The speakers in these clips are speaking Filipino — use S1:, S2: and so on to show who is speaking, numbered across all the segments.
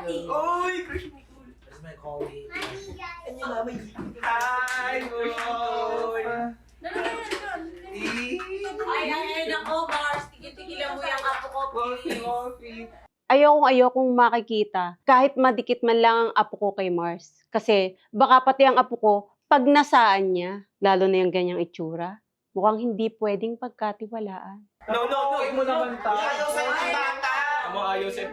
S1: Coffee.
S2: Uy, crush mo.
S3: Where's my coffee?
S2: Ano na, may hi, boy.
S1: Ay, nako, Mars. Tigil-tigilan mo yung apo ko.
S2: Coffee.
S4: Ayokong makikita kahit madikit man lang ang apo ko kay Mars. Kasi baka pati ang apo ko, pag nasaan niya, lalo na yung ganyang itsura, mukhang hindi pwedeng pagkatiwalaan.
S2: No, mo naman tayo.
S3: Ayaw sa'yo ng bata!
S2: Amo ayaw sa'yo.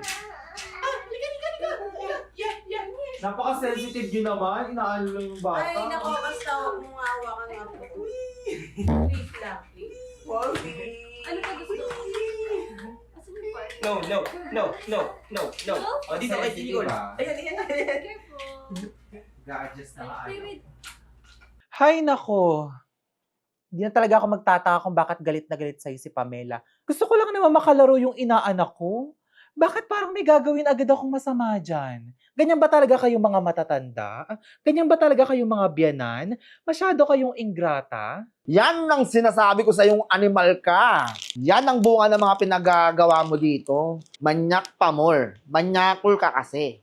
S2: Napaka-sensitive yun naman. Inaano lang yung bata.
S1: Ay, nako, basta huwag mong hawakan ng apo ko. Please lang, please. Ano pa gusto mo? Asan yung part?
S2: No. O, dito kay Tigol. Ayan.
S1: Careful.
S3: Ga-adjust na ka.
S5: Hay nako. Hindi na talaga ako magtataka kung bakit galit na galit sa'yo si Pamela. Gusto ko lang naman makalaro yung inaanak ko. Bakit parang may gagawin agad akong masama dyan? Ganyan ba talaga kayong mga matatanda? Ganyan ba talaga kayong mga biyanan? Masyado kayong ingrata?
S6: Yan ang sinasabi ko sa yung animal ka. Yan ang bunga ng mga pinagagawa mo dito. Manyak pa more. Manyakul ka kasi.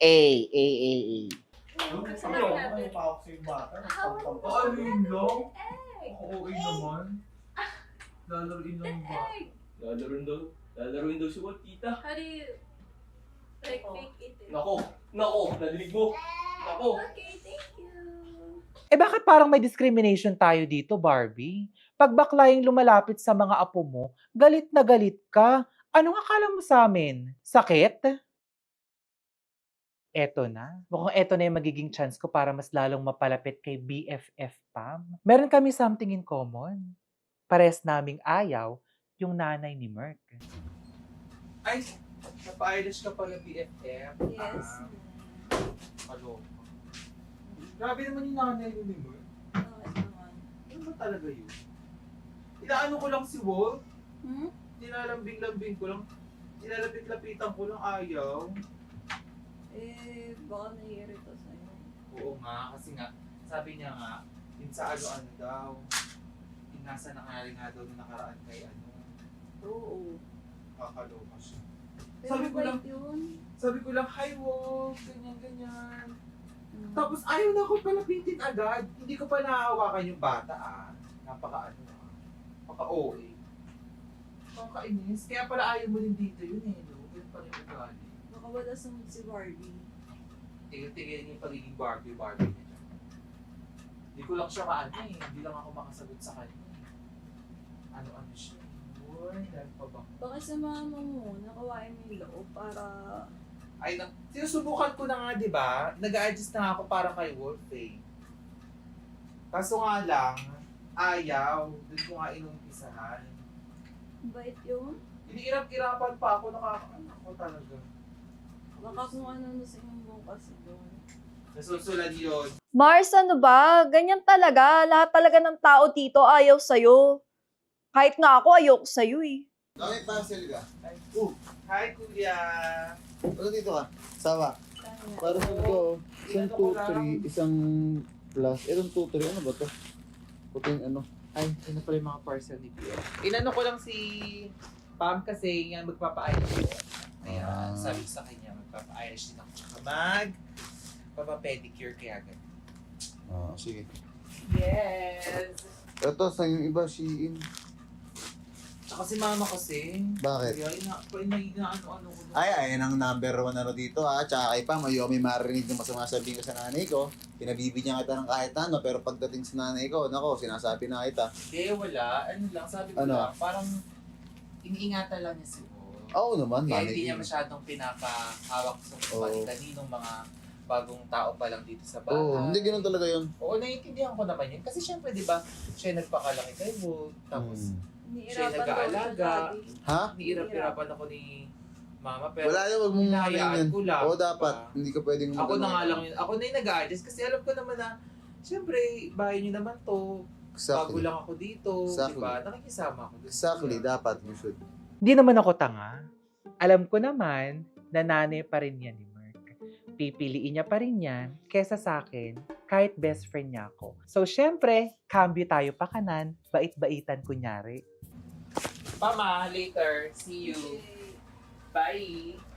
S2: Ano pa ako sa yung bata? Ano yun lang? Okay naman. Lalaroin lang yung bata. Lalaroin daw si Walt, tita.
S1: How do you like fake it?
S2: Nako, nadinig mo. Nako.
S1: Okay, thank you.
S5: Eh bakit parang may discrimination tayo dito, Barbie? Pag bakla yung lumalapit sa mga apo mo, galit na galit ka. Anong akala mo sa amin? Sakit? Eto na. Mukhang eto na yung magiging chance ko para mas lalong mapalapit kay BFF Pam. Meron kami something in common. Pares naming ayaw yung nanay ni Merc.
S2: Ay, napa-Irish ka pala, BFF.
S1: Yes.
S2: Kaloka. Grabe naman yung nanay mo ni Mer.
S1: Bakit naman?
S2: Ano ba talaga yun? Inaano ko lang si Walt.
S1: Hmm?
S2: Nilalambing-lambing ko lang. Nilalapit-lapitan ko lang, ayaw.
S1: Eh, baka naiirito sa'yo.
S2: Oo nga, kasi nga, sabi niya nga, yun sa ano-ano daw. Yung nasa nakari nga daw na nakaraan kay ano.
S1: Oo.
S2: Kakaloka siya.
S1: Pero
S2: Sabi ko lang, hi Walt, ganyan-ganyan.
S1: Hmm.
S2: Tapos ayaw na ako palapitin agad. Hindi ko pa nahawakan yung bata Napaka-ano Napaka-OA. Nakakainis. Kaya pala ayaw mo din dito yun no? Ganun pa rin ugali.
S1: Baka wala sa mood si Barbie.
S2: Tigil-tigil yung pagiging Barbie niya dyan. Hindi ko lang siya hindi lang ako makasagot sa kanya. Ano siya. Uy, dahil pa ba?
S1: Baka sa mama mo, nakawain mo yung loob para...
S2: Sinusubukan ko na nga, di ba? Nag-a-adjust na ako para kay Wolf Kaso nga lang, ayaw. Doon ko nga inumpisahan.
S1: Bait yun.
S2: Iniirap-irapan pa ako, nakakaanak ko talaga.
S1: Baka kung ano sa inyong bukas doon.
S2: Nasusulan yun.
S7: Mars, ano ba? Ganyan talaga. Lahat talaga ng tao dito ayaw sa'yo. Kahit nga ako, ayoko sa'yo eh.
S6: Bakit parcel ka?
S2: Hi, Kuya!
S6: Ano dito ka? Sawa. Parcel ko. Isang 2-3, isang plus. Itong 2-3, ano ba to? Puting ano?
S2: Ay, ano pala yung mga parcel ni Kuya? Inano ko lang si Pam kasi nga magpapa-Irish ko. Kaya sabi ko sa kanya, magpapa-Irish din ako. Tsaka magpapa-pedicure kaya ganun.
S6: Sige.
S2: Yes!
S6: Ito, sa yung iba, Shein.
S2: Tsaka si mama kasi.
S6: Bakit?
S2: Kaya inaano-ano ko.
S6: Ay, ang number 1 ano dito ha. Tsaka kay Pam, ayaw may marinig yung masama sabihin ko sa nanay ko. Pinabibigyan kita ng kahit ano, pero pagdating sa nanay ko, nako, sinasabi na kita.
S2: Wala. Ano lang, sabi ko
S6: Ano?
S2: lang, parang iniingatan lang niya si Paul.
S6: Oo naman,
S2: Kaya
S6: nanay
S2: hindi niya
S6: ko.
S2: masyadong pinapahawak sa
S6: Oo.
S2: kaninong mga bagong tao pa lang dito sa bahay.
S6: Oo, hindi ganun talaga yun.
S2: Oo, naiintindihan ko naman yun. Kasi syempre, di ba, siya nagpakalaki kay Walt. Tapos, siya
S1: Niirapan daw
S2: nag-aalaga.
S1: siya dati.
S6: Ha?
S2: niirap-irapan ako ni mama. Pero
S6: Wala yun, wag mong
S2: hinahayaan
S6: yan.
S2: ko lang.
S6: Oo, dapat.
S2: Diba?
S6: Hindi ka pwedeng
S2: Ako na nga lang yun. Ako na yung nag-a-adjust kasi alam ko naman na, syempre, bahay niyo naman to. Bago
S6: Exactly.
S2: lang ako dito.
S6: Exactly.
S2: Diba? Nakikisama ako.
S6: Exactly, dapat. You should.
S5: Hindi naman ako tanga. Alam ko naman na nanay pa rin yan ni Merc. Pipiliin niya pa rin yan kesa sa akin kahit best friend niya ako. So, syempre, cambio tayo pa kanan, bait-baitan kunyari.
S2: Mama, later. See you.
S1: Okay.
S2: Bye.